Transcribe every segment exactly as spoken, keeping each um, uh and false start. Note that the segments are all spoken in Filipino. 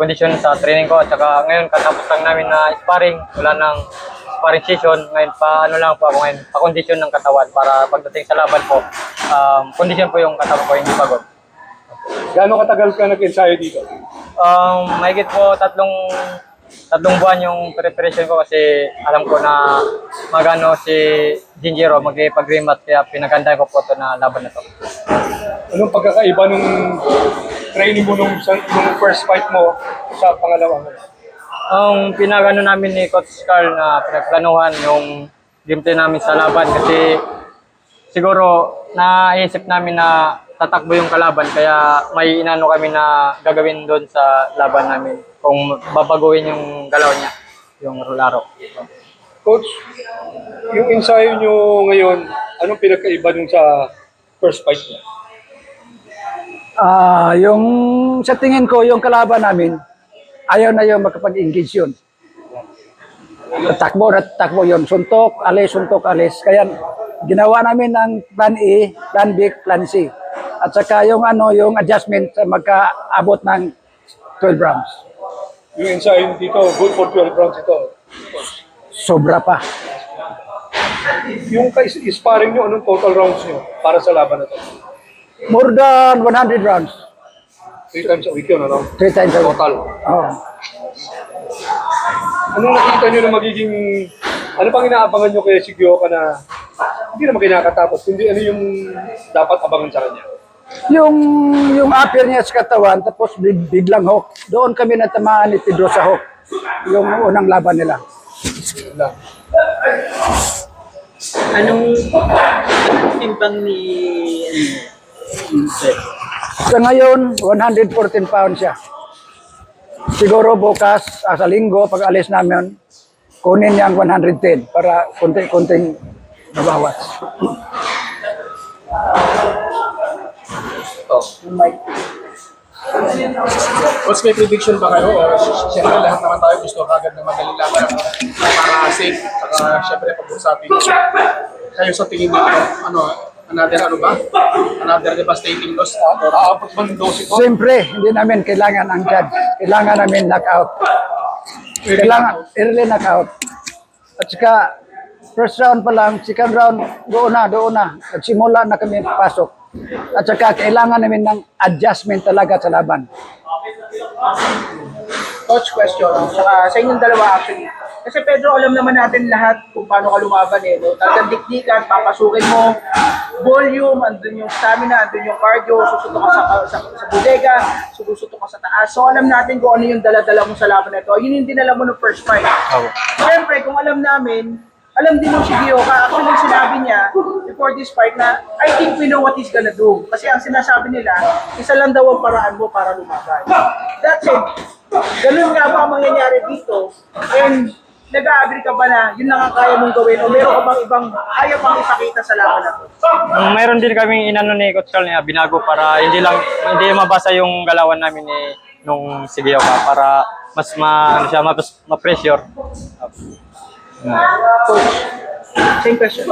kondisyon sa training ko. At saka ngayon, katapos lang namin na sparring, wala nang sparring session. Ngayon, pa ano lang po ako ngayon, pa-kondisyon ng katawan para pagdating sa laban po, um, kondisyon po yung katawan ko, hindi pagod. Gaano katagal ka nag-ensayo dito? Um, mahigit po tatlong tatlong buwan yung preparation ko kasi alam ko na magano si Jinjiro magpag-rematch kaya pinagandaan ko po ito na laban na to. Anong pagkakaiba nung training mo nung, nung first fight mo sa pangalawa mo? Ang pinagano namin ni Coach Carl na pinagplanuhan yung gameplay namin sa laban kasi siguro naisip namin na tatakbo yung kalaban kaya may inano kami na gagawin doon sa laban namin kung babaguhin yung galaw niya, yung laro. Coach, yung ensayo nyo ngayon, anong pinagkaiba nung sa first fight niya? Ah, yung sa tingin ko, yung kalaban namin, ayaw na yung makapag-engage yun. Takbo na takbo yun. Suntok, alis, suntok, alis. Kaya ginawa namin ng plan A, plan B, plan C. At saka yung ano, yung adjustment sa magkaabot ng twelve rounds. Yung ensayo dito, good for twelve rounds ito. Sobra pa. Yung ka-sparring nyo, anong total rounds nyo para sa laban na ito? More than one hundred rounds. Three times a week yun, ano? Three times a week. Total. Oh. Anong nakita nyo na magiging, ano pang inaabangan nyo kay Shigioka na hindi naman kinakatapos, kundi ano yung dapat abangan sa kanya? Yung yung upper niya sa katawan, tapos big, biglang hook. Doon kami natamaan ni Pedro sa hook. Yung unang laban nila. Lang. Anong timbang ni ano, Sa ngayon, one hundred fourteen pounds siya. Siguro bukas, ah, sa linggo, pag alis namin, kunin niyang one hundred ten para kunting-kunting mabawas. What's may prediction ba kayo? O, siyempre lahat naman tayo gusto kagad na magaling laban para safe. Saka siyempre pag-usapin. Kayo sa tingin niyo, ano, another ano ba? Another devastating loss? Aabot man ng dose ito? Siyempre, hindi namin kailangan ang judge. Kailangan namin knockout. Kailangan early knockout. At saka, first round pa lang, second round, doon na, doon na. Nagsimula na kami pasok. At saka, kailangan namin ng adjustment talaga sa laban. coach question, saka sa inyong dalawa actually. Kasi Pedro, alam naman natin lahat kung paano ka lumaban eh. No? Talagang dikdikan, papasukin mo, volume, andun yung stamina, andun yung cardio, susuto ka sa, sa, sa bodega, susuto ka sa taas. So alam natin kung ano yung dala-dala mo sa laban na ito. Yun yung dinala mo ng first fight. Oh. Siyempre, kung alam namin, alam din ng Shigioka, actually sinabi niya before this fight na, I think we know what he's gonna do. Kasi ang sinasabi nila, isa lang daw ang paraan mo para lumaban. That's it. Ganun nga ba ang mangyayari dito? And nag-a-agree ka ba na yun lang ang kaya mong gawin o meron ka bang ibang ayaw pang ipakita sa laban na to? Um, mayroon din kaming inano ni Coach Carl na binago para hindi lang hindi mabasa yung galawan namin ni nung Shigioka para mas ma ano siya mas ma-pressure. Coach, same question.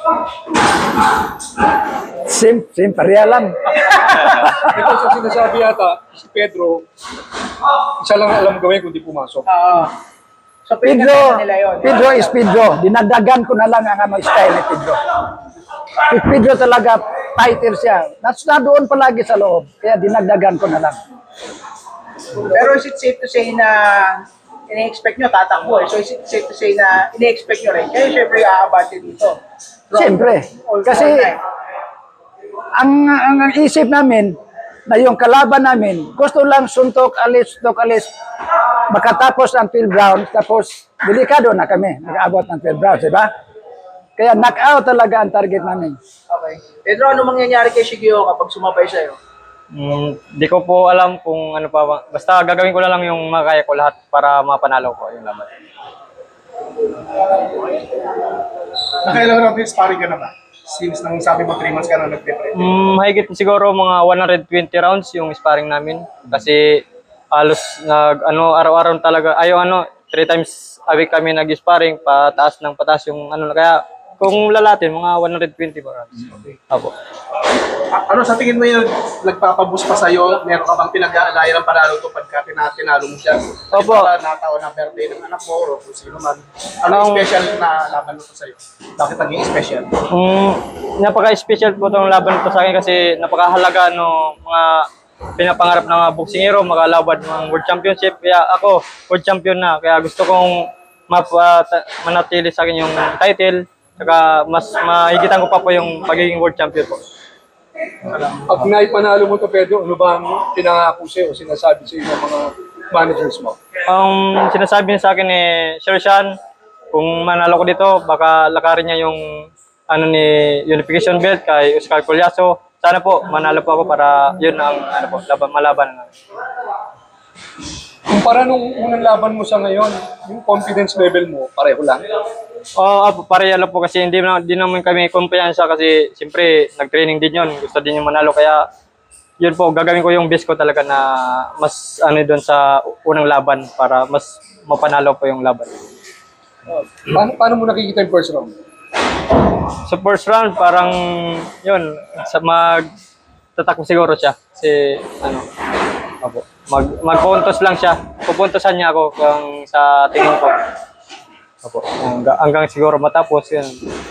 Sim, sim, pareha lang. Ito sa sinasabi yata, si Pedro, isa lang alam gawin kundi pumasok. Oo. So, Pedro, pinagkakita nila yun. Pedro is Pedro. Dinadagan ko na lang ang ano, style ni Pedro. Si Pedro talaga, fighter siya. Nas na doon palagi sa loob. Kaya dinagdagan ko na lang. Pero is it safe to say na ini-expect nyo, tatakbo eh. So is it safe to say na ini-expect nyo rin? Kaya syempre aabante dito. Siyempre. All- Kasi all night. ang, ang, ang isip namin, na yung kalaban namin, gusto lang suntok, alis, suntok, alis. Makatapos ang twelve rounds, tapos delikado na kami. Nag-aabot ng twelve rounds, di ba? Kaya knockout talaga ang target namin. Okay. Pedro, ano mangyayari kay Shigio kapag sumabay sa'yo? Mm, di ko po alam kung ano pa ba. Basta gagawin ko na lang yung makaya ko lahat para mapanalo ko yung laban. Nakailang round din sparring ka na ba? Since nang sabi mo three months ka na nag-prepare. Mm, mahigit siguro mga one hundred twenty rounds yung sparring namin kasi halos nag ano araw-araw talaga ayo ano three times a week kami nag-sparring pataas ng pataas yung ano kaya kung lalatin mga one hundred twenty rounds. Apo. A- ano sa tingin mo yun, nagpapaboost pa sa'yo? Meron ka bang pinag-aalayan ng panalo to pagka tina- tinalo mo siya? Opo. Para nataon na birthday ng anak mo o kung sino man. Ano yung Ang- special na laban mo to sa'yo? Bakit naging special? Mm, napaka-special po itong laban po sa akin kasi napakahalaga no mga pinapangarap ng mga boksingero, makalaban ng World Championship. Kaya ako, World Champion na. Kaya gusto kong mapa, manatili sa akin yung title. Saka mas mahigitan ko pa po yung pagiging World Champion po. Pag naipanalo mo to, Pedro, ano ba ang pinangako sa'yo o sinasabi sa'yo ng mga managers mo? Ang sinasabi niya sa akin ni Sir Sean, kung manalo ko dito, baka lakarin niya yung ano ni unification belt kay Oscar Colyaso. Sana po manalo po ako para yun ang ano po, laban, malaban. Kumpara nung unang laban mo sa ngayon, yung confidence level mo, pareho lang. Oo, oh, pareha lang po kasi hindi, na, hindi naman kami kumpiyansa kasi siyempre nag-training din yun. Gusto din yung manalo kaya yun po, gagawin ko yung best ko talaga na mas ano doon sa unang laban para mas mapanalo po yung laban. Paano, paano mo nakikita yung first round? Sa first round, parang yun, sa mag tatakbo siguro siya. Kasi ano, opo, mag magpuntos lang siya. Pupuntosan niya ako kung sa tingin ko. Opo, hanggang, hanggang siguro matapos yun.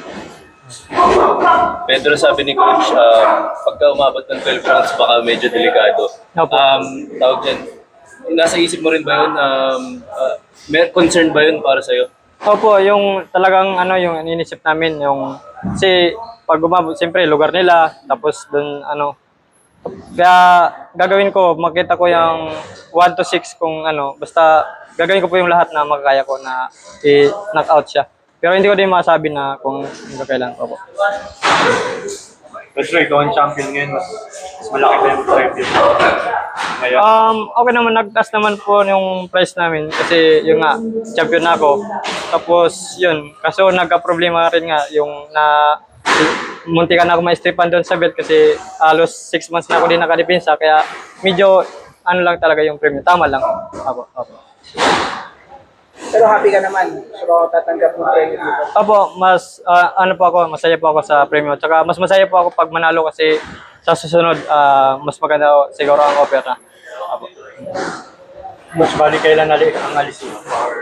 Pedro, sabi ni Coach, um, pagka umabot ng twelve rounds, baka medyo delikado. Opo. Um, tawag dyan, nasa isip mo rin ba yun? Um, uh, may concern ba yun para sa'yo? Opo, yung talagang ano yung iniisip namin yung kasi pag umabot siyempre lugar nila tapos doon ano kaya gagawin ko makita ko yung one to six kung ano basta gagawin ko po yung lahat na makakaya ko na i-knock out siya. Pero hindi ko din masabi na kung hindi kailan po. Pedro, ikaw ang champion ngayon. Mas, mas malaki pa yung preview. Ngayon, Um, okay naman, nagtaas naman po yung price namin kasi yung nga, champion na ako. Tapos yun, kaso nagka-problema rin nga yung na munti ka na ako ma-stripan doon sa belt kasi halos six months na ako din nakadepensa kaya medyo ano lang talaga yung premium. Tama lang. Ako, ako. Pero happy ka naman. So, tatanggap mo tayo dito. Opo, mas ah, ano po ako, masaya po ako sa premium. Tsaka mas masaya po ako pag manalo kasi sa susunod ah, mas maganda siguro ang offer na. Opo. mas bali kailan nali ang alis mo? Or,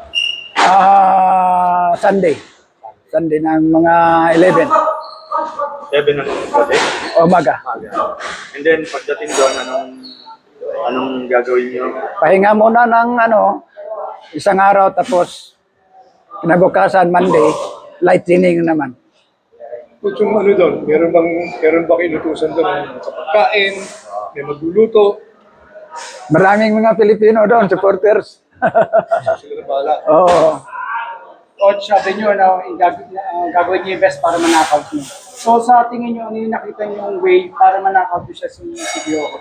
Ah, Sunday. Sunday ng mga eleven. seven ng gabi? Umaga. And then, pagdating doon, anong, anong gagawin niyo? Pahinga muna ng ano, isang araw tapos kinabukasan Monday, light training naman. Coach, yung ano doon, meron bang, meron ba kinutusan doon sa pagkain, may magluluto, Maraming mga Pilipino doon, supporters. sila na bahala. Oo. Coach, sabi nyo na gag- uh, gagawin niyo yung best para manakaw niyo. So, sa tingin nyo, ano yung nakita niyo yung way para manakaw niyo siya si Sigioco?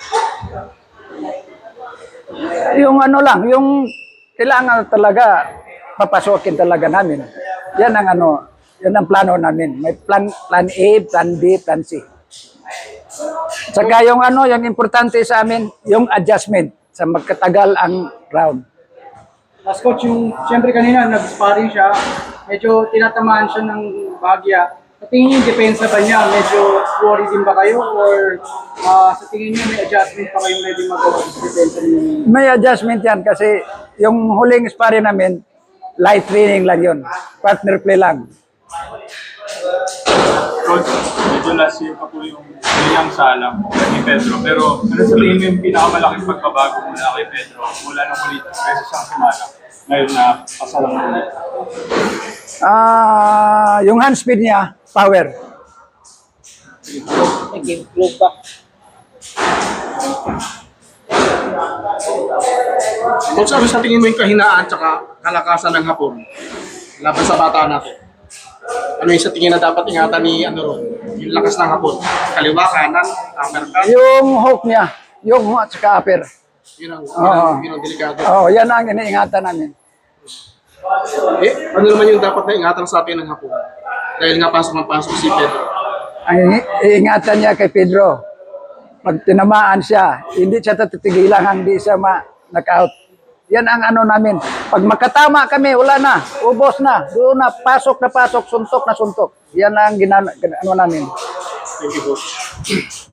Yung ano lang, yung kailangan talaga papasokin talaga namin. Yan ang ano, yan ang plano namin. May plan plan A, plan B, plan C. Saka yung ano, yung importante sa amin, yung adjustment sa magkatagal ang round. Last coach, yung siyempre kanina nag-sparring siya, medyo tinatamaan siya ng bahagya. Sa tingin niyo yung depensa ba niya? Medyo worried din ba kayo? Or ah, sa tingin niyo may adjustment pa kayo pwede magawa sa depensa niyo? May adjustment yan kasi yung huling sparring namin, light training lang yun. Partner play lang. Coach, medyo nasiyo pa po yung kanyang salam ni Pedro. Pero ano sa tingin mo yung pinakamalaking pagbabago mula kay Pedro? Mula nung ulit, beses siyang simala. Ngayon na pasalang ulit. Ah, yung hand speed niya, power. Nag-improve ba? Coach, ano sa tingin mo yung kahinaan at kalakasan ng Hapon laban sa bata natin? Ano yung sa tingin na dapat ingatan ni ano ron? Yung lakas ng Hapon. Kaliwa, kanan, uppercut. Yung hook niya, yung hook at saka upper. Yun ang, yun Oo. ang, yun ang delikado. Oh, yan ang iniingatan namin. Eh, ano naman yung dapat na ingatan sa atin ng Hapon? Dahil nga pasok ng pasok si Pedro. Ang ini- iingatan niya kay Pedro, pag tinamaan siya, hindi siya tatigilan, hindi siya ma-knockout. Yan ang ano namin. Pag makatama kami, wala na, ubos na, doon na, pasok na pasok, suntok na suntok. Yan ang gina- ano namin. Thank you, Coach.